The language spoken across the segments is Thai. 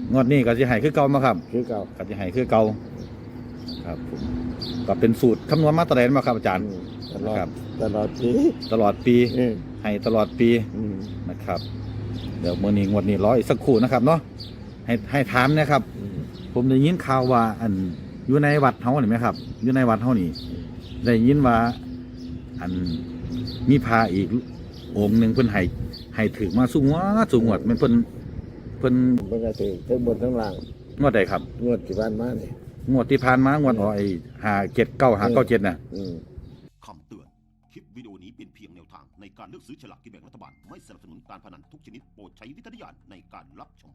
งวดนี้ก็จะให้คือเก่ามาครับคือเก่าก็จะให้คือเก่าครับผมก็เป็นสูตรคำนวณมาตรฐานมาครับอาจารย์ตลอดครับตลอดปีตลอดปีอืมให้ตลอดปีอืมนะครับเดี๋ยวมื้อนี้งวดนี้รออีกสักครู่นะครับเนาะให้ถามนะครับอืมผมได้ยินข่าวว่าอันอยู่ในวัดเฮานี่ไหมครับอยู่ในวัดเฮานี่ได้ยินว่าอันมีพระอีกองค์หนึ่งเพิ่นให้ถือมาสูงวดมันเพิ่นมันก็ถือทั้งบนทั้งล่างงวดใดครับงวดที่บ้านมาเนี่ยงวดที่ผ่านมางวดอ๋อไอ้579 597น่ะคำเตือน คลิปวิดีโอนี้เป็นเพียงแนวทางในการเลือกซื้อฉลากกินแบ่งรัฐบาล ไม่สนับสนุนการพนันทุกชนิดโปรดใช้วิจารณญาณในการรับชม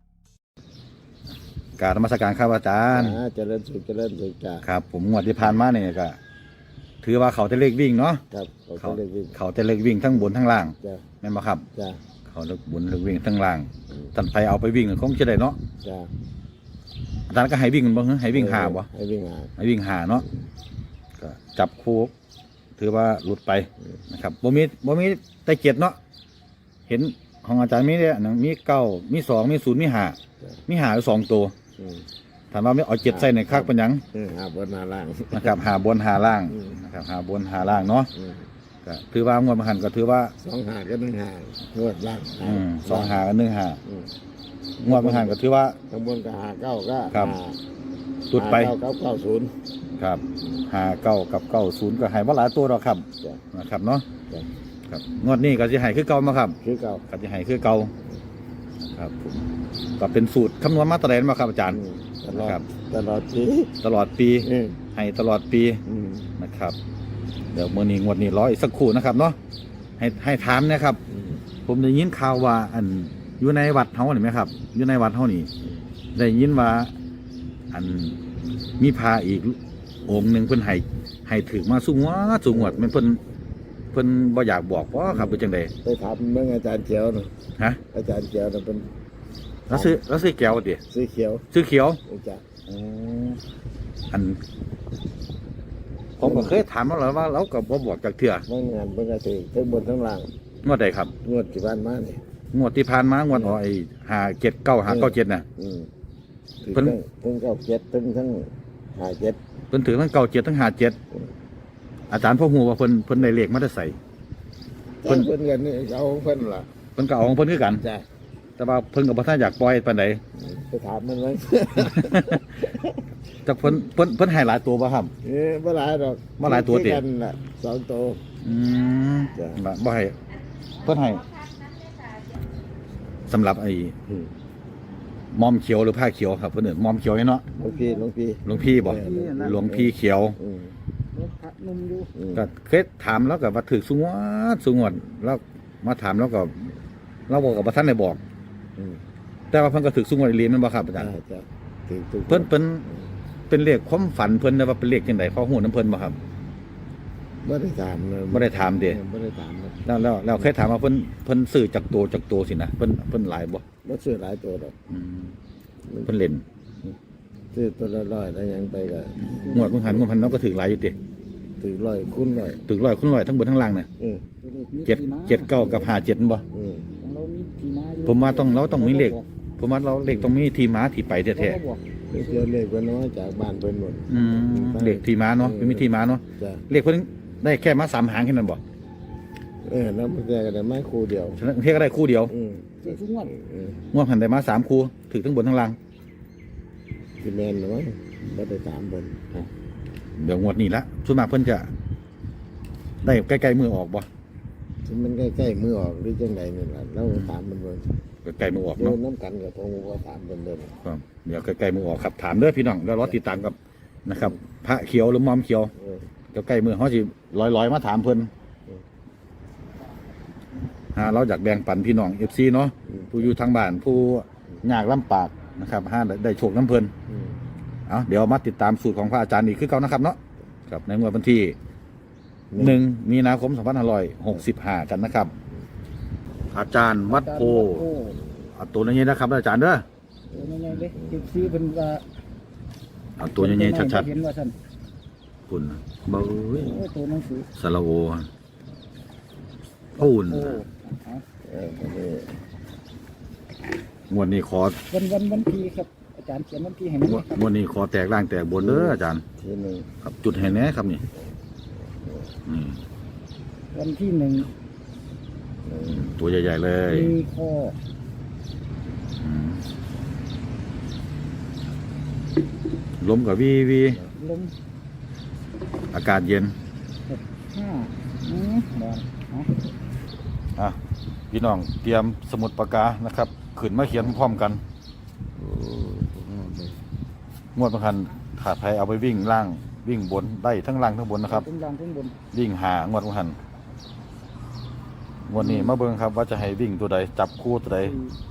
กราบนมัสการครับอาจารย์เจริญสุขเจริญสุขจ้าครับ ผมงวดที่ผ่านมาเนี่ยก็ถือว่าเขาแต่เลขวิ่งเนาะครับเขาเลยวิ่งเขาแต่เลขวิ่งทั้งบนทั้งล่างจ้าแม่นบ่ครับจ้าเขาเลขบนเลขวิ่งทั้งล่างท่านไปเอาไปวิ่งคงจะได้เนาะจ้าอาจารย์ก็ให้วิ่งบ่ให้วิ่งหาบ่ให้วิ่งหาให้วิ่งหาเนาะก็จับคู่ถือว่าหลุดไปนะครับบ่มีแต่เจ็ดเนาะเห็นของอาจารย์มีเนี่ยหนังมีเก้ามีสองมีศูนย์มีห้ามีห้าอยู่2 ตัวอืมถามว่าไม่เอาเจ็ดใส่ในคักเป็นหยังหาบนหาล่างนะครับหาบนหาล่างอืมนะครับหาบนหาล่างเนาะอืมก็ถือว่างวดมหันต์ก็ถือว่า 2 หาก็1 หางวดล่าง 2 หากับ1 หาอืมงวดมหันต์ก็ถือว่าข้างบนก็หาเก้าก็ครับหาหลุดไปหาเก้าเก้าศูนย์ครับหาเก้ากับเก้าศูนย์ก็ให้ว่าหลายตัวหรอกครับจ้านะครับเนาะจ้าครับงวดนี้ก็จะให้คือเก่ามาครับคือเก่าก็จะให้คือเก่าครับผมก็เป็นสูตรคำนวณมาตรฐานมาครับอาจารย์ตลอดครับตลอดปีตลอดปีอืมให้ตลอดปีอืมนะครับเดี๋ยวมื้อนี้งวดนี้รออีกสักครู่นะครับเนาะให้ถามนะครับอืมผมได้ยินข่าวว่าอันอยู่ในวัดเฮานี่ไหมครับอยู่ในวัดเฮานี่ได้ยินว่าอันมีพระอีกองค์หนึ่งเพิ่นให้ถือมาสูงวดมันเพิ่นบ่อยากบอกว่าครับเป็นจังไดไปถามเมื่ออาจารย์เขียวนะฮะอาจารย์เขียวนะเป็นแล้วซื้อแก้วติสีเขียวซื้อเขียวจ้าอันผมก็เคยถามมาแล้วว่าเราก็บ่บอกจากเถื่อเมื่องานเมื่อก็ถือทั้งบนทั้งล่างงวดใดครับงวดที่บ้านมาเนี่ยงวดที่ผ่านมางวดอ๋อไอ้579 597น่ะอืมถือเพิ่นทั้งเก้าเจ็ดทั้งหาเจ็ดเพิ่นถือทั้ง97ทั้ง57อาจารย์พ่อฮู้ว่าเพิ่นได้เลขมาได้ใส่ เพิ่เพิ่นนกันนี่เอาของเพิ่นล่ะเพิ่นก็เอาของเพิ่นคือกันจ้าแต่ว่าเพิ่นก็บ่ทันอยากปล่อยปานใดไปถามมันไว้แต่เพิ่นให้หลายตัวบ่ครับบ่หลายดอกบ่หลายตัวติกันล่ะ2 ตัวอืมจ้ะบ่ให้เพิ่นให้สำหรับไอ้อืมมอมเขียวหรือผ้าเขียวครับเพิ่นเอิ้นมอมเขียวเนาะหลวงพี่หลวงพี่บ่หลวงพี่เขียวอืมพระนุ่มอยู่อืมก็เคยถามแล้วก็ว่าถือสูงวดแล้วมาถามแล้วก็เราบอกกับบ่ทันได้บอกอืมแต่ว่าเพิ่นก็ถือสูงวดอีหลีแม่นบ่ครับอาจารย์จ้าถือทุกเพิ่นเป็นเลขความฝันเพิ่นแต่ว่าเป็นเลขจังไดพอฮู้นํเพิ่นบ่ครับบ่ได้ถามเลยบ่ได้ถามเด้บ่ได้ถามเลยแล้วเคยถามว่าเพิ่นซื้อจากตัวสินะเพิ่นหลายบ่บ่ซื้อหลายตัวดอกอืมเพิ่นเล่นซื้อตัวละร้อยแล้วยังไปก็งวดเพิ่นหันงวดพันเนาะก็ถือหลายอยู่ติถือร้อยคูณร้อยถือ100คูณ100ทั้งบนทั้งล่างน่ะอืม 7 9กับ57บ่อืมของเรามีที่มาอยู่ผมว่าเราต้องมีเลขผมว่าเราเลขต้องมีที่มาที่ไปแท้เขาก็บอกเดี๋ยวเลขเพิ่นน้อยจากบ้านเพิ่นหมดๆอืมเลขที่มาเนาะมีที่มาเนาะจ้ะเลขเพิ่นได้แค่มา3หางแค่นั้นบ่แล้วมันแค่ก็ได้ไม้คู่เดียวฉะนั้นเพียงก็ได้คู่เดียวอืมเสียทุกงวดอืมงวดพันได้มา3คู่ถือทั้งบนทั้งล่างที่แม่นนะมั้งบ่ได้ถามเพิ่นเดี๋ยวงวดนี้ละส่วนมากเพิ่นจะได้ใกล้ๆมือออกบ่ที่มันใกล้ๆมือออกหรือจังใดนี่ล่ะเราถามมันเบิ่งใกล้ๆมือออกเดิเนาะนน้ำกันกับพงว่าถามเพิ่นเด้อครับเดี๋ยวใกล้ๆมือออกครับถามเด้อพี่น้องแล้วรอติดตามกับนะครับ พระเขียวหรือมอมเขียวเออเดี๋ยวใกล้มือเขาสิลอยมาถามเพิ่นเราอยากแบ่งปันพี่น้อง FC เนาะผู้อยู่ทางบ้านผู้ยากลำบากนะครับได้โชคน้ำเพิ่นอืมเอาเดี๋ยวมาติดตามสูตรของพระอาจารย์อีกคือเก่านะครับเนาะครับในงวดวันที่1 มีนาคม 2565 กันนะครับ อาจารย์วัดโพโอ้เอาตัวนี้นะครับอาจารย์เด้อตัวใหญ่ๆเลยเก็บซื้อเป็นว่าเอาตัวใหญ่ๆชัดเห็นว่าท่านๆคุณเบ้ยโอ้ตัวหนังสือสระโอพูนโอ้เอาอันนี้งวดนี้ขอวันที่ครับอาจารย์เขียนวันที่ให้มันงวดนี้ขอแตกล่างแตกบนเด้ออาจารย์ทีหนึ่งครับจุดให้แน่ครับนี่นี่วันที่หนึ่งตัวใหญ่ๆเลยมีข้ออืมลมกับวีวีลมอากาศเย็น 5บอลเอาอ่ะพี่น้องเตรียมสมุดปากกานะครับขึ้นมาเขียนพร้อมกันโอ้โหงวดประคันขาดไทยเอาไปวิ่งล่างวิ่งบนได้ทั้งล่างทั้งบนนะครับขึ้นล่างขึ้นบนวิ่งหางวดประคันงวดนี้มาเบิ่งครับว่าจะให้วิ่งตัวใดจับคู่ตัวใด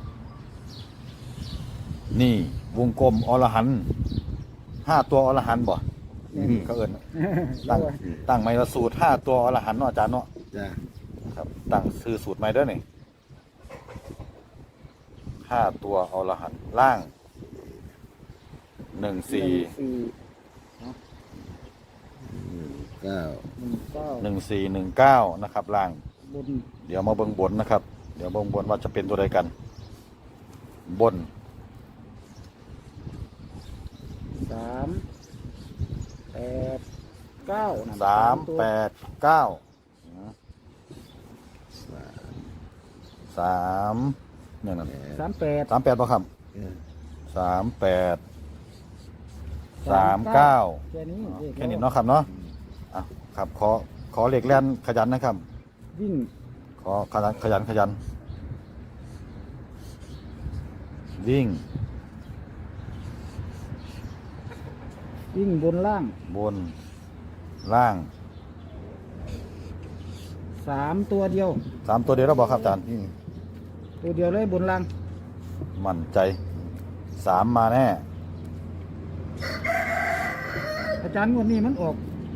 นี่วงกลมอรหันต์5ตัวอรหันต์บ่เขาเอิ้นตั้งไม้ละสูตร5ตัวอรหันต์เนาะอาจารย์เนาะจ้ะครับตั้งซื้อสูตรใหม่เด้อนี่5ตัวอรหันต์ล่าง14 เก้า 1419นะครับล่างบนเดี๋ยวมาเบิ่งบนนะครับ เดี๋ยวเบิ่งบนว่าจะเป็นตัวใดกัน บน 3 8 9นั่น 389 3เนี่ยนั่น 38 38ป่ะครับเออ 38 39 แค่นี้แค่นี้เนาะครับเนาะอ่ะครับขอเหล็กแล่นขยันนะครับวิ่งขอขยันวิ่งวิ่งบนล่างบนล่าง 3 ตัวเดียว 3ตัวเดียวแล้วบอกครับอาจารย์ตัวเดียวเลยบนล่างมั่นใจ3มาแน่อาจารย์วันนี้มันออก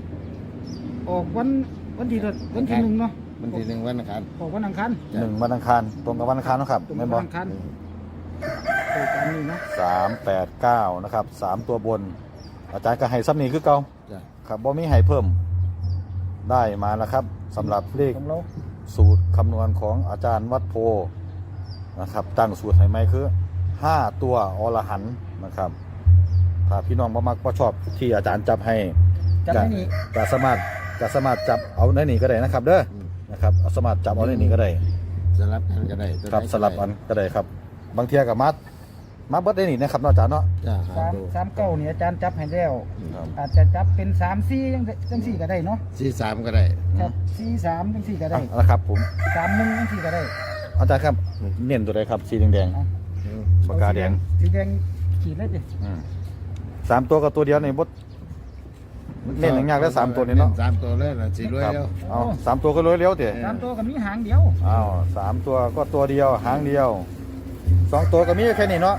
วันที่วันที่หนึ่งเนาะวันที่หนึ่งวันอังคารออกวันอังคาร 1วันอังคารตรงกับวันอังคารเนาะครับตรงแม่กัน บบอวันอังคารโดยการนี้นะ 389นะครับ3ตัวบน อาจารย์ก็ให้ซ้ำนี้คือเก่าจ้ะครับบ่มีให้เพิ่มได้มาแล้วครับสำหรับเลขของเราสูตรคำนวณของอาจารย์วัดโพนะครับตั้งสูตรให้ไหมคือ5ตัวอรหันต์นะครับถ้าพี่น้องบ่มักบ่ชอบที่อาจารย์จับให้จับไม่นี่ก็สามารถจับเอาในนี้ก็ได้นะครับเด้อนะครับเอาสามารถจับเอาในนี้ก็ได้สลับกันก็ได้ตัวไหนครับสลับอันก็ได้ครับ บางเทียกับมาเบิดได้นี่นะครับเนาะอาจารย์เนาะจ้ะหาดู 3 9นี่อาจารย์จับให้แล้วครับอาจจะจับเป็น3 4จังสี่ก็ได้เนาะ 43ก็ได้ครับ4 3จังสี่ก็ได้อ่ะนะครับผม 3 1จังสี่ก็ได้อาจารย์ครับเน้นตัวใดครับสีแดงเอาๆปากกาแดงสีแดงขีดเลยดิ 3ตัวกับตัวเดียวในบดเน้นอย่างยากแล้ว3ตัวนี้เนาะ 3ตัวเลยนะสิรวยครับแล้วเอา3ตัวก็รวยเร็วเต๋ 3 ตัวก็มีหางเดียวอ้าว3ตัวก็ตัวเดียวหางเดียว2ตัวก็มีแค่นี้เนาะ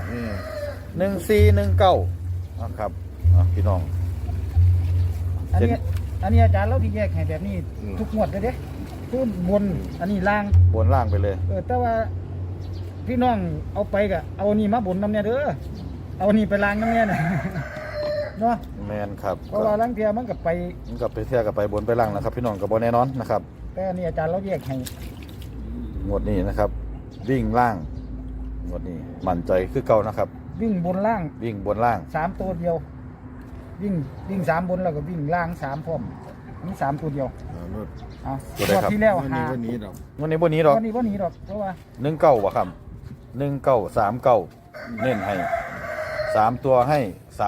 1419นะครับพี่น้องอันเจ็ดนี้อาจารย์เราที่แยกให้แบบนี้ทุกงวดเลยเด้คือบนอันนี้ล่างบนล่างไปเลยแต่ว่าพี่น้องเอาไปก็เอานี่มาบนน้ำเนี่ยเด้อเอานี่ไปล้างน้ำเนี่ยนะ เนาะแมนครับเพราะว่าล้างเทียมันก็ไปมันกับไปเที่ยวกับไปบนไปล่างนะครับ พี่น้องกับบนแน่นอนนะครับแต่อันนี่อาจารย์เราแยกให้งวดนี้นะครับ วิ่งล่างงวดนี้มั่นใจคือเก่านะครับวิ่งบนล่างวิ่งบนล่าง 3 ตัวเดียว วิ่ง3 บนแล้วก็วิ่งล่าง3พร้อมมี3 ตัวเดียวเอารถเอาตัวใดครับที่แล้ววันนี้หาวันนี้ดอกงวดนี้บนนี้หรอกวันนี้บ่หนีดอกเพราะว่า 19วะครับ1939เน้นให้3ตัวให้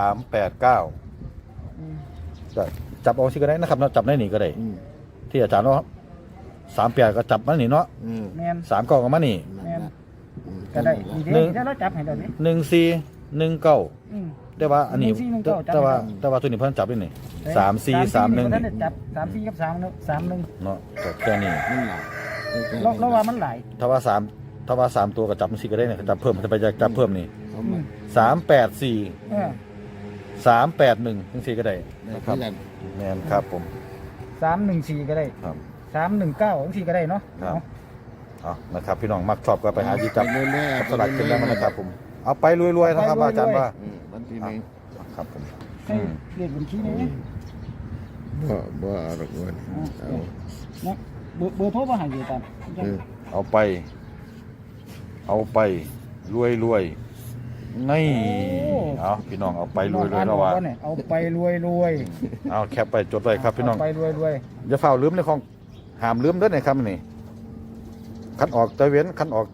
389 อืมจะจับเอาที่ก็ได้นะครับเนาะจับได้หนีก็ได้ ที่อาจารย์เนาะ38ก็จับมาหนีเนาะแม่น 39ก็มาหนีแม่น ก็ได้ดีเด้ถ้าเราจับให้ได้นี่ 1419 อืมแต่ว่าอันนี้ 1419จับแต่ว่าให้ได้แต่ว่าตัวนี้เพิ่นจับได้นี่นี่ 3431 ท่านได้จับ3 4กับ3 1 เนาะก็แค่นี้มันหลายเราว่ามันหลายถ้าว่า3ตัวก็จับมันสิก็ได้เนี่ยจับเพิ่มจะไปจับเพิ่มนี่เอามา 384 เออ 381จังซี่ก็ได้ได้นะคคืรัอบ กันแม่นครับผม 314ก็ได้ครับ 319จังซี่ก็ได้เนาะครับเอาเอานะครับพี่น้องมักชอบก็ไปหาที่จับไปเรื่อยๆสลัดกินแล้วมันนะครับผมเอาไปรวยๆนะครับอาจารย์ว่าวันที่หนึ่งครับผมให้เลขบัญชีนี้บ่เอาดอกเงินเอานะเบอร์โทรมาให้อยู่ตามเออเอาไปรวยรวยนี่เอาพี่น้องเอาไปรวยรวยแล้วว่าเอาไปรวยรวยเอาแคปไปจดไว้ครับพี่น้องเอาไปรวยรวยอย่าเฝ้าลืมในของห้ามลืมเด้อในคำนี่คันออกแต่เว้นคันออก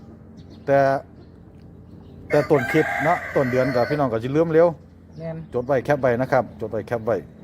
แต่ต้นคลิปเนาะต้นเดือนกับพี่น้องก็จะลืมเร็วแม่นจดไว้แคปไว้นะครับจดไว้แคปไว้